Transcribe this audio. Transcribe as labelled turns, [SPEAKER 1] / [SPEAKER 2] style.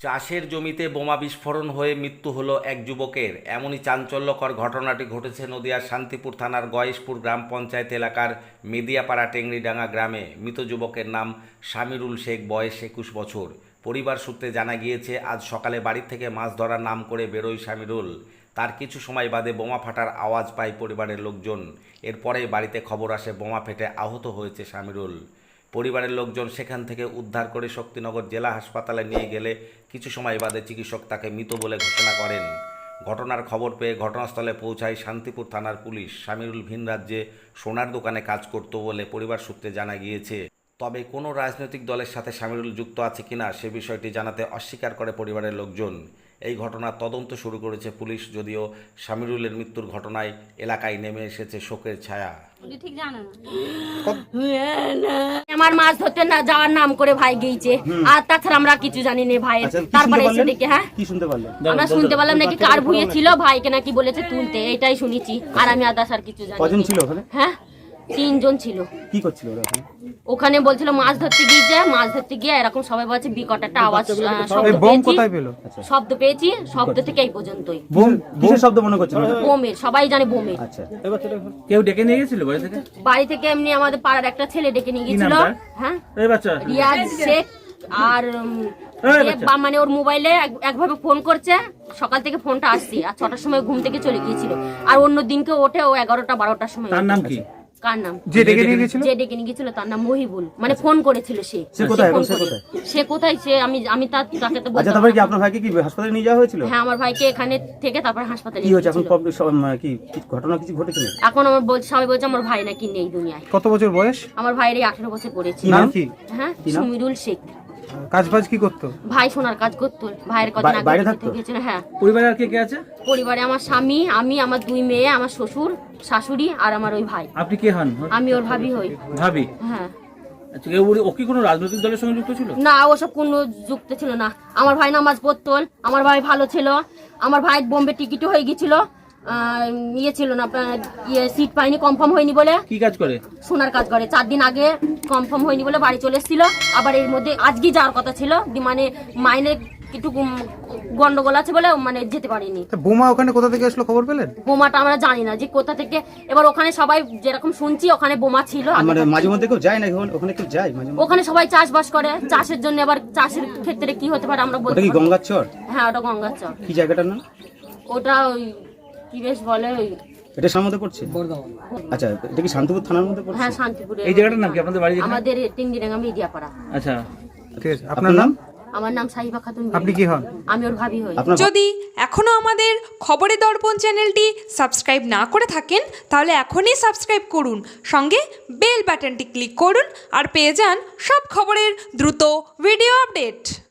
[SPEAKER 1] চাষের জমিতে বোমা বিস্ফোরণ হয়ে মৃত্যু হলো এক যুবকের। এমনই চাঞ্চল্যকর ঘটনাটি ঘটেছে নদিয়ার শান্তিপুর থানার গয়েশপুর গ্রাম পঞ্চায়েত এলাকার মেদিয়াপাড়া টেংরিডাঙ্গা গ্রামে। মৃত যুবকের নাম শামিরুল শেখ, বয়স 21 বছর। পরিবার সূত্রে জানা গিয়েছে, আজ সকালে বাড়ি থেকে মাছ ধরার নাম করে বেরোয় শামিরুল। তার কিছু সময় বাদে বোমা ফাটার আওয়াজ পায় পরিবারের লোকজন। এরপরেই বাড়িতে খবর আসে বোমা ফেটে আহত হয়েছে শামিরুল। পরিবারের লোকজন সেখান থেকে উদ্ধার করে শক্তিনগর জেলা হাসপাতালে নিয়ে গেলে কিছু সময় বাদে চিকিৎসক তাকে মৃত বলে ঘোষণা করেন। ঘটনার খবর পেয়ে ঘটনাস্থলে পৌঁছায় শান্তিপুর থানার পুলিশ। শামিরুল ভিন রাজ্যে সোনার দোকানে কাজ করত বলে পরিবার সূত্রে জানা গিয়েছে। তবে কোনো রাজনৈতিক দলের সাথে শামিরুল যুক্ত আছে কিনা সে বিষয়টি জানাতে অস্বীকার করে পরিবারের লোকজন। এই ঘটনার তদন্ত শুরু করেছে পুলিশ, যদিও শামিরুলের মৃত্যুর ঘটনায় এলাকায় নেমে এসেছে শোকের ছায়া।
[SPEAKER 2] ঠিক জানো না আমার মাছ ধরতে না যাওয়ার নাম করে ভাই গিয়েছে, আর তাছাড়া আমরা কিছু জানি না ভাই। তারপরে এসে দেখে কি শুনতে পারলেন? আমরা শুনতে পারলাম নাকি কার ভুঁয়ে ছিল, ভাইকে নাকি বলেছে তুলতে, এটাই শুনেছি। আর আমি আদার্স আর কিছু জানি।
[SPEAKER 3] কজন ছিল ওখানে?
[SPEAKER 2] হ্যাঁ, 3 জন ছিল।
[SPEAKER 3] কি করছিল ওরা
[SPEAKER 2] ওখানে? বলছিল মাছ ধরতে গিয়েছে, মাছ ধরতে গিয়ে এরকম সবাই বলছে বিকট একটা আওয়াজ, শব্দ পেয়েছি, শব্দ থেকে এই পর্যন্তই।
[SPEAKER 3] কিসের শব্দ মনে করছেন?
[SPEAKER 2] বোমের, সবাই জানে বোমের।
[SPEAKER 3] আচ্ছা,
[SPEAKER 4] কেউ ডেকে নিয়ে গেছিল বাড়ি থেকে?
[SPEAKER 2] বাড়ি থেকে এমনি আমাদের পাড়ার একটা ছেলে ডেকে নিয়ে গেছিল। হ্যাঁ, রিয়াজ শেখ। আর মানে ওর মোবাইলে একভাবে ফোন করছে, সকাল থেকে ফোনটা আসছে, আর 6টার সময় ঘুম থেকে চলে গিয়েছিল। আর অন্য দিনকে ওঠে ও 11টা 12টার সময়।
[SPEAKER 4] তার নাম কি?
[SPEAKER 2] কার নাম?
[SPEAKER 3] যে ডেকে নিয়ে
[SPEAKER 2] গেছিল তার নাম মহিবুল। মানে ফোন করেছিল সে। সে কোথায় সে আমি তাকে তো বলতে।
[SPEAKER 3] আচ্ছা, তারপরে কি আপনার ভাইকে কি হাসপাতালে নিয়ে যাওয়া হয়েছিল?
[SPEAKER 2] হ্যাঁ, আমার ভাইকে এখানে থেকে তারপর হাসপাতালে
[SPEAKER 3] কি হয়েছে এখন? কি ঘটনা কিছু ঘটেছে?
[SPEAKER 2] এখন আমার সবাই বলছে আমার ভাই নাকি নেই দুনিয়ায়।
[SPEAKER 3] কত বছর বয়স?
[SPEAKER 2] আমার ভাইয়ের 18 বছর পড়েছে।
[SPEAKER 3] নাম কি?
[SPEAKER 2] হ্যাঁ, শামিরুল শেখ।
[SPEAKER 3] কাজ কি করতো?
[SPEAKER 2] ভাই সোনার কাজ করতো। ভাইয়ের কদিন আগে
[SPEAKER 3] বাইরে থাকতো।
[SPEAKER 2] হ্যাঁ।
[SPEAKER 4] পরিবারে আর কে আছে?
[SPEAKER 2] পরিবারে আমার স্বামী, আমি, আমার 2 মেয়ে, আমার শ্বশুর শাশুড়ি আর আমার ওই ভাই।
[SPEAKER 4] আপনি কে হন?
[SPEAKER 2] আমি ওর ভাবি হই।
[SPEAKER 4] ভাবি?
[SPEAKER 2] হ্যাঁ।
[SPEAKER 4] আচ্ছা, ও কি কোনো রাজনৈতিক দলের সঙ্গে যুক্ত ছিল?
[SPEAKER 2] না, ওসব কোনো যুক্ত ছিল না। আমার ভাই নামাজ পড়তো, আমার ভাই ভালো ছিল। আমার ভাই বোম্বে টিকিট হয়ে গেছিল, ইয়ে ছিল না আপনার, সিট পাইনি, কনফার্ম হয়নি বলে।
[SPEAKER 4] কি কাজ করে?
[SPEAKER 2] সোনার কাজ করে। 4 দিন আগে কনফার্ম হয়নি বলে বাড়ি চলে এসেছিল। আবার এর মধ্যে আজকে যাওয়ার কথা ছিল, মানে মাইনে একটু গন্ডগোল আছে বলে মানে যেতে পারিনি।
[SPEAKER 3] বোমা ওখানে কোথা থেকে আসলো খবর পেলেন?
[SPEAKER 2] বোমাটা আমরা জানি না যে কোথা থেকে। এবার ওখানে সবাই যেরকম শুনছি ওখানে বোমা ছিল।
[SPEAKER 3] মানে মাঝে মধ্যে কেউ যায় না ওখানে? কেউ যায় মাঝে মধ্যে?
[SPEAKER 2] ওখানে সবাই চাষবাস করে, চাষের জন্য। আবার চাষের ক্ষেত্রে কি হতে পারে আমরা বলতে।
[SPEAKER 3] ওটা কি গঙ্গার চর?
[SPEAKER 2] হ্যাঁ, ওটা গঙ্গার চর।
[SPEAKER 3] কি জায়গাটার নাম
[SPEAKER 2] ওটা? ওই কি বেশ বলে, ওই
[SPEAKER 3] এটা সার মধ্যে পড়ছে। আচ্ছা, এটা কি শান্তিপুর থানার মধ্যে পড়ছে?
[SPEAKER 2] হ্যাঁ, শান্তিপুরে।
[SPEAKER 4] এই জায়গাটার নাম কি আপনাদের বাড়ি?
[SPEAKER 2] আমাদের টেংরিডাঙ্গা মেদিয়াপাড়া।
[SPEAKER 4] আচ্ছা,
[SPEAKER 3] ঠিক আছে। আপনার নাম?
[SPEAKER 2] আমার নাম সাহিবা খাতুন।
[SPEAKER 3] আপনি কি হন?
[SPEAKER 2] আমি ওর ভাবি হই।
[SPEAKER 5] যদি এখনো আমাদের খবরের দর্পণ চ্যানেলটি সাবস্ক্রাইব না করে থাকেন তাহলে এখনই সাবস্ক্রাইব করুন, সঙ্গে বেল বাটনটি ক্লিক করুন আর পেয়ে যান সব খবরের দ্রুত ভিডিও আপডেট।